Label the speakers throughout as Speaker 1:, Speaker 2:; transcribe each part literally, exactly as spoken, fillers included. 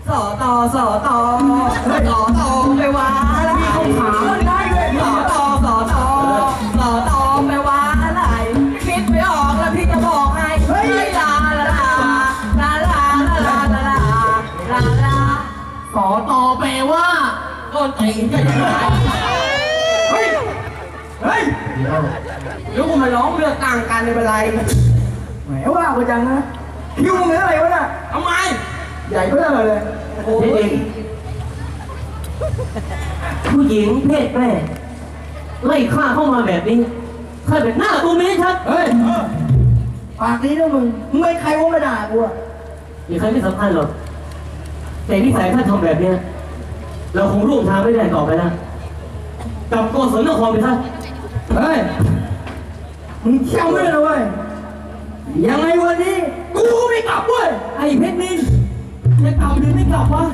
Speaker 1: สอตอสอตอสอตอไปว่าอะไรขาได้เลยสอตอสอตอสอตอไปว่าอะไรคิดไม่ออกแล้วพี่จะบอกให้เฮ้ยลาลาลาลาลาลาลาลาลาลาสอตอแปลว่าต้นตีนจะยังไงเฮ้ยเฮ้ยแล้วกูมาร้องเรื่องต่างกันในเป็นไรแหมว่ากูจังนะคิวมึงเป็นอะไรวะน่ะทำไมใหญ่เพื่ออะไรเลยโอ้ยผู้หญิงเพศแม่ไล่ฆ่าเข้ามาแบบนี้ข้าเป็นหน้าตัวไม่ชัดเฮ้ยปากนี้นะมึงมึงไม่ใครว่ามาด่ากูอ่ะมีใครไม่สำคัญหรอกแต่นิสัยท่านทำแบบเนี้ยเราคงร่วมทางไม่ได้ต่อไปแล้วกลับโกศลนครไปซะเฮ้ยมึงเชี่ยวไม่ได้เลยเว้ยยังไงวันนี้กูไม่กลับเว้ยไอ้เพชรนินจะกลับหรือไม่กลับวะ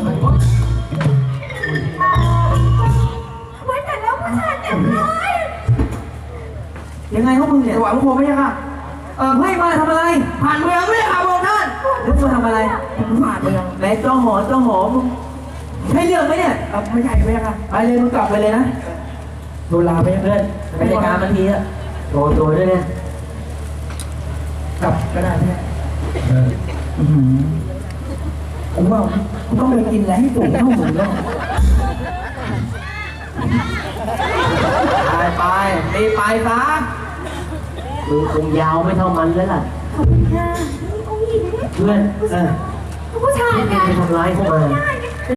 Speaker 2: ไว้แต่แล้วผู้ชายเต็มเลย
Speaker 1: ยังไงพวกมึงเนี่ยหวังโคไม่ใช่ค่ะเออให้มาทำอะไรผ่านเมืองไม่ได้ค่ะบอกท่านแล้วมาทำอะไรผ่านเมืองไหนเจ้าหอเจ้าหอมึงใช่เรื่องไหมเนี่ยไม่ใช่ไม่ใช่ค่ะไปเลยมึงกลับไปเลยนะโดนลาไปเพื่อนไปรายการมันทีอะโดนโดนด้วยเนี่ยกลับก็ได้เนี่ยผมว่าต้องไปกินอะไรให้สูงเท่าหมูแล้วไปไปตีไปซะมือคงยาวไม่เท่ามันแล้วล่ะ
Speaker 2: ขอบคุณค่ะองค์หญิง
Speaker 1: เพื่อนเออ
Speaker 2: ผู้ชาย
Speaker 1: ที่
Speaker 2: ไง
Speaker 1: ไปทำร้ายเข้ามา
Speaker 2: ได้